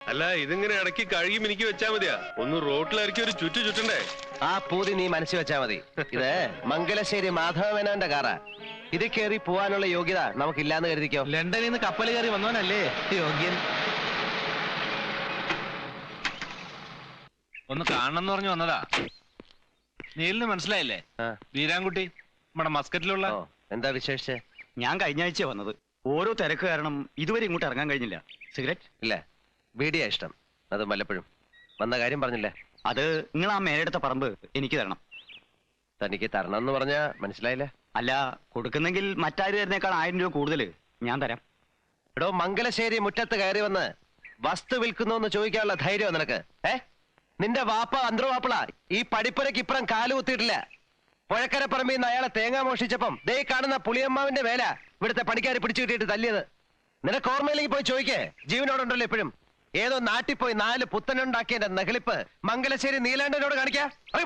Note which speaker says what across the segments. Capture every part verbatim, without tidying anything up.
Speaker 1: അല്ല ഇതിങ്ങനെ ഇടയ്ക്ക് കഴുകി മിനിക്ക് വെച്ചാ മതിയാ. ഒന്ന് റോട്ടിലിറക്കി ഒരു ചുറ്റു ചുറ്റണ്ടേ?
Speaker 2: ആ പൂതി നീ മനസ്സിൽ വെച്ചാ മതി. ഇത് മംഗലശ്ശേരി മാധവമേനോന്റെ കാറാ. ഇത് കയറി പോവാനുള്ള യോഗ്യത നമുക്കില്ലാന്ന് കരുതിക്കോ.
Speaker 3: ലണ്ടനിൽ നിന്ന് കപ്പൽ കയറി വന്നവനല്ലേ യോഗ്യൻ. ഒന്ന് കാണണമെന്ന് പറഞ്ഞു വന്നതാ. നീലിന് മനസ്സിലായില്ലേ? വീരാൻകുട്ടി നമ്മുടെ മസ്കറ്റിലുള്ള.
Speaker 2: എന്താ വിശേഷിച്ച്?
Speaker 4: ഞാൻ കഴിഞ്ഞ ആഴ്ച വന്നത്. ഓരോ തിരക്ക് കാരണം ഇതുവരെ ഇങ്ങോട്ട് ഇറങ്ങാൻ കഴിഞ്ഞില്ല. സിഗരറ്റ്
Speaker 2: ഇല്ല, ബീഡിയാ ഇഷ്ടം. അത് വല്ലപ്പോഴും. വന്ന കാര്യം പറഞ്ഞില്ലേ?
Speaker 4: അത് നിങ്ങൾ ആ മേലെടുത്ത പറമ്പ് എനിക്ക് തരണം.
Speaker 2: തനിക്ക് തരണം എന്ന് പറഞ്ഞാ മനസ്സിലായില്ല.
Speaker 4: അല്ല, കൊടുക്കുന്നെങ്കിൽ മറ്റാര് തരുന്നേക്കാൾ ആയിരം രൂപ കൂടുതൽ ഞാൻ തരാം.
Speaker 2: എടോ, മംഗലശ്ശേരി മുറ്റത്ത് കയറി വന്ന് വസ്തു വിൽക്കുന്നു എന്ന് ചോദിക്കാനുള്ള ധൈര്യം നിനക്ക്? ഏ നിന്റെ വാപ്പ അന്തർവാപ്പിള ഈ പടിപ്പുരക്ക് ഇപ്പുറം കാല് കുത്തിയിട്ടില്ല. പുഴക്കരപ്പറമ്പിൽ നിന്ന് അയാളെ തേങ്ങ മോഷിച്ചപ്പം ദേ കാണുന്ന പുളിയമ്മാവിന്റെ വേല ഇവിടുത്തെ പണിക്കാർ പിടിച്ചു കിട്ടിയിട്ട് തല്ലിയത്. നിനക്ക് ഓർമ്മയിലേക്ക് പോയി ചോദിക്കേ. ജീവനോടുണ്ടല്ലോ ഇപ്പോഴും. ഏതോ നാട്ടിൽ പോയി നാല് പുത്തനുണ്ടാക്കിയതിന്റെ നഹലിപ്പ് മംഗലശ്ശേരി നീലാണ്ടനോട് കാണിക്കാ.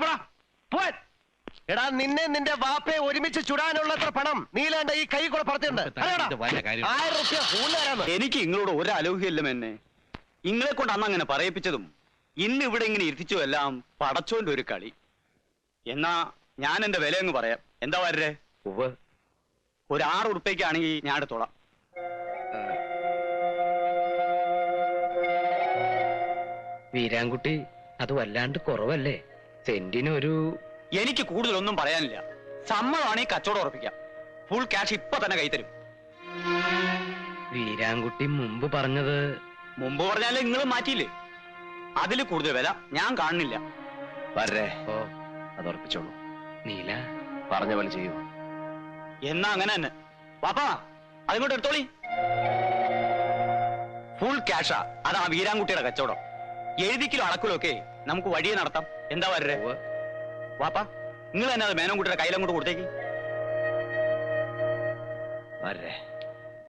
Speaker 2: എടാ, നിന്നെ നിന്റെ വാപ്പയെ ഒരുമിച്ച് ചുടാനുള്ളത്ര പണം നീലാണ്ട ഈ കൈ കൂടെ പുറത്തുണ്ട്. ആയിരം റുപ്യ കൂടുതലാരാണ്.
Speaker 4: എനിക്ക് നിങ്ങളോട് ഒരു അലോഹ്യല്ല എന്നെ. നിങ്ങളെ കൊണ്ട് അന്ന് അങ്ങനെ പറയിപ്പിച്ചതും ഇന്ന് ഇവിടെ ഇങ്ങനെ ഇരുത്തിച്ചു എല്ലാം പടച്ചോന്റെ ഒരു കളി. എന്നാ ഞാൻ എന്റെ വില അങ്ങ് പറയാം. എന്താ വരേ? ഒരു ആറ് ഉറുപ്പ്യക്കാണെങ്കിൽ ഞാൻ എടുത്തോളാം.
Speaker 5: വീരാൻകുട്ടി, അത് വല്ലാണ്ട് കുറവല്ലേ? സെന്റിനൊരു...
Speaker 4: എനിക്ക് കൂടുതലൊന്നും പറയാനില്ല. സമ്മതമാണെങ്കിൽ കച്ചവടം ഉറപ്പിക്കാം. ഫുൾ ക്യാഷ് ഇപ്പൊ തന്നെ കൈത്തരും.
Speaker 5: വീരാൻകുട്ടി മുമ്പ് പറഞ്ഞത്...
Speaker 4: മുമ്പ് പറഞ്ഞാലേ നിങ്ങൾ മാറ്റിയില്ലേ? അതിൽ കൂടുതൽ വില ഞാൻ കാണുന്നില്ല.
Speaker 2: വരേ, ഓ അത് ഉറപ്പിച്ചോളൂ.
Speaker 5: നീല
Speaker 2: പറഞ്ഞ പോലെ ചെയ്യൂ.
Speaker 4: എന്നാ അങ്ങനെ തന്നെ. പാപ്പാ, അതിങ്ങോട്ട് എടുത്തോളി. ഫുൾ ക്യാഷാ. അതാ വീരാൻകുട്ടിയുടെ കച്ചവടം. എഴുതിക്കിലോ അളക്കിലോ ഒക്കെ നമുക്ക് വഴിയെ നടത്താം. എന്താ വരേ? വാപ്പാ, നിങ്ങൾ തന്നെ അത് മേനോൻകുട്ടിയുടെ കയ്യിലങ്ങോട്ട് കൊടുത്തേക്ക്.
Speaker 2: വരേ.